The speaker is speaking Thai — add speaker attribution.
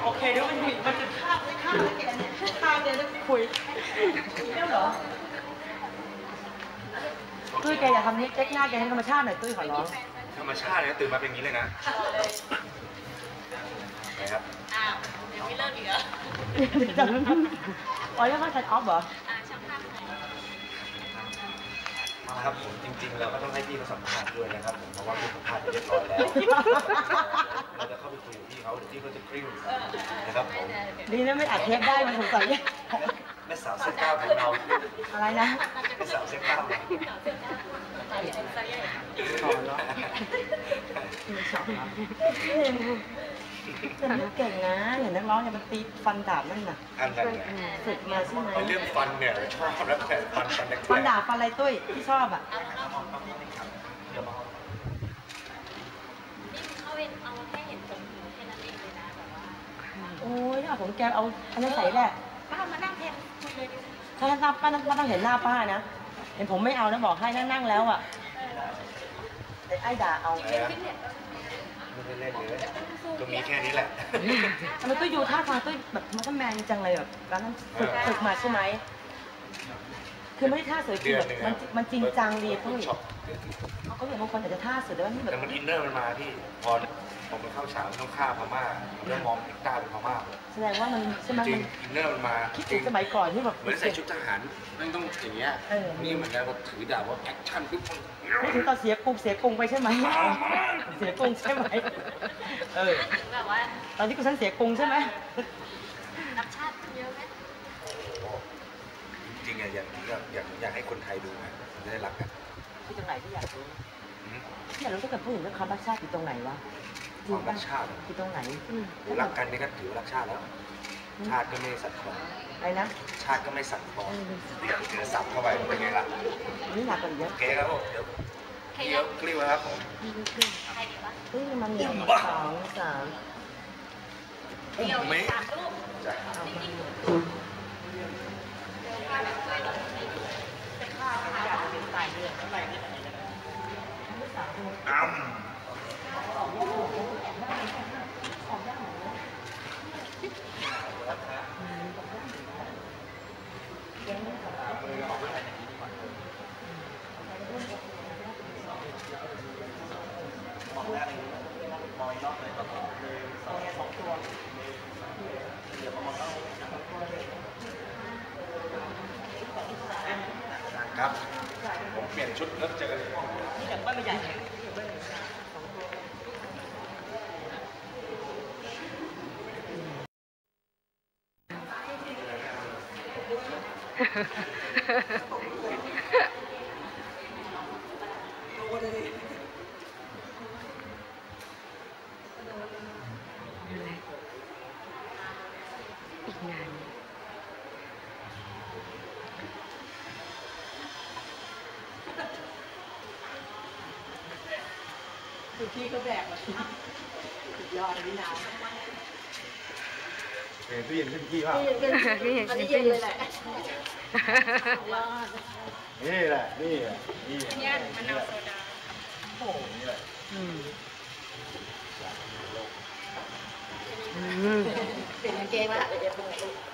Speaker 1: โอเคเดี๋ยวมันจะข้ามแล้วแกเนี่ยข้ามเนี่ยแล้วคุยเรื่องเหรอตุ้ยแกอย่าทำนี้เจ๊กหน้าแกให้ธรรมชาติหน่อยตุ้ยขอร้อง
Speaker 2: ธรรมชาติเนี่ยตื่นมาเป็นอย่างนี้เลยนะไหนครับ
Speaker 3: อ้าวเดี๋ยวไม่เลิกอีกเหรอ
Speaker 1: อ๋อเรียกว่าชัดออฟเหรอ
Speaker 3: ช่างภาพไหน
Speaker 2: ครับผมจริงๆเราก็ต้องให้พี่เขาสัมภาษณ์ด้วยนะครับผมเพราะว่าพี่สัมภาษณ์ไปเรียบร้อยแล้วเราจะเข้าไปคุยกับพี่เขาเดี๋ยวพี่เขาจะกริ้วนะครับผม
Speaker 1: ดีนะไม่อัดเทปได้มันสงสัย
Speaker 2: แม่สาวเซ็กเก้าของเรา
Speaker 1: อะไรนะ
Speaker 2: แม่สาวเซ็กเก้า
Speaker 1: สอนเนาะสอนแต่เก่งนะเห็นนักร้องเนี่ยมันตีฟันดาบนั่นน่ะ
Speaker 2: อันนั้นแหละ
Speaker 1: ฝึกมาใช่ไหม
Speaker 2: เรื่องฟันเนี่ยชอบแล้วแต่
Speaker 1: ฟันดาบฟันอะไรตุ้ยที่ชอบอ่ะ
Speaker 3: เขาเป็นเอาแค่เห็นผมแค่นั้นเองเลยนะแบบว่า
Speaker 1: โอ้ยเอาผมแกเอาอันนั้นใส่แหละ
Speaker 3: ป้ามานั่งแทนคุยเลยดิ
Speaker 1: ถ้าป้าต้องเห็นหน้าป้านะเห็นผมไม่เอานะบอกให้นั่งแล้วอ่ะแต่ไอ้ด่าเอา
Speaker 2: ไม่ได้เล่นเลยก็มีแค่นี้แหละ
Speaker 1: ทำไมตุ้ยดูท่าทางตุ้ยแบบมันก็แมนจังเลยแบบการนั้นฝึกมาใช่ไหมคือไม่ได้ท่าสวยคือแบบมันจริงจังดีตุ้ยเขาอย่างบางคนอาจจะท่าสวยแต่ว่านี่แบบ
Speaker 2: แต่มันอินเนอร์มันมาที่พอผมไปเข้าฉากต้องฆ่าพม่าเรื่องมองเอกต้าเป็นพม่า
Speaker 1: แสดงว่ามันใช่ไหม
Speaker 2: จริงอินเนอร์มันมา
Speaker 1: คิดถึงสมัยก่อนที่แบบ
Speaker 2: เหมือนใส่ชุดทหารนั่นต้องอย่างเงี้ยนี่เหมือนกันว่าถือดาบว่าแอคชั่นปุ๊บ
Speaker 1: ไม่ถึงตอนเสียกรุงไปใช่ไหมเสียกรุงใช่ไหม
Speaker 3: แบบว่า
Speaker 1: ตอนที่กูฉันเสียกรุงใช่ไหม
Speaker 3: นักชาติเยอะไหม
Speaker 2: จริงๆอยากให้คนไทยดูนะจะได้รักกัน
Speaker 1: ที่ตรงไหนที่อยากรู้อยากรู้ถ้าเกิดพูดถึงเรื่องคำรักชาติอยู่ตรงไหนวะ
Speaker 2: ความรักชาติ
Speaker 1: อยู่ตรงไหน
Speaker 2: รักกันนี่ก็ถือว่ารักชาติแล้วชาติก็ไม่สั่นคลอน
Speaker 1: อะไรนะ
Speaker 2: ชาติก็ไม่สั่นคลอนเจอสับเข้าไปเป็นไงล่ะ
Speaker 1: นี่หนักกว่าเยอะ
Speaker 2: โอเคครับผมเดี๋ยวกลิ้วครับผม
Speaker 3: ใครดีวะ
Speaker 1: มัน1 2 3
Speaker 2: ไม่ครับผมเปลี่ยนชุดแล้วเจอกัน
Speaker 1: นี่แต่บ้านใหญ่
Speaker 4: อีกนาน
Speaker 1: คือพี่ก็แบกมาสุดยอดนี่นะ
Speaker 2: ตู้เย็นขึ้นพี่ว่า
Speaker 3: อันนี้เย็นเลยแหละ
Speaker 2: นี่แหละนี่
Speaker 3: เนี่ยมะนาวโซดา
Speaker 2: โอ้นี่แหละ
Speaker 1: เปลี่ยนกางเกงละ